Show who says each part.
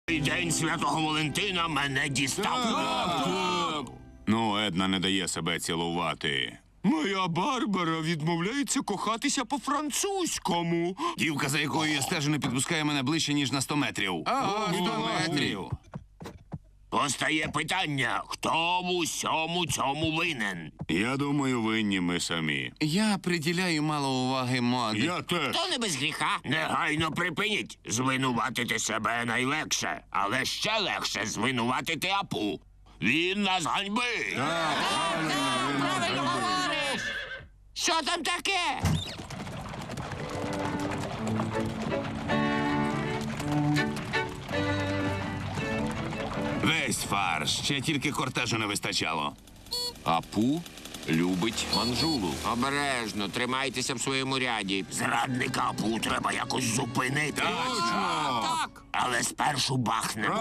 Speaker 1: День Святого Валентина мене дістав.
Speaker 2: Ну, Една не дає себе цілувати.
Speaker 3: Моя Барбара відмовляється кохатися по-французькому.
Speaker 4: Дівка, за якою я стежу, не підпускає мене ближче, ніж на 100 метрів.
Speaker 2: Ага, 100 метрів.
Speaker 1: Постає питання, хто в усьому цьому винен?
Speaker 2: Я думаю, винні ми самі.
Speaker 4: Я приділяю мало уваги моді.
Speaker 2: Я теж.
Speaker 1: Хто не без гріха? Негайно припиніть. Звинуватити себе найлегше, але ще легше звинуватити Апу. Він нас ганьбить. Правильно говориш. Що там таке?
Speaker 4: Весь фарш, ще тільки кортежу не вистачало. Апу любить манжулу.
Speaker 1: Обережно, тримайтеся в своєму ряді. Зрадника Апу треба якось зупинити.
Speaker 2: Точно!
Speaker 1: Так. Але спершу бахнемо.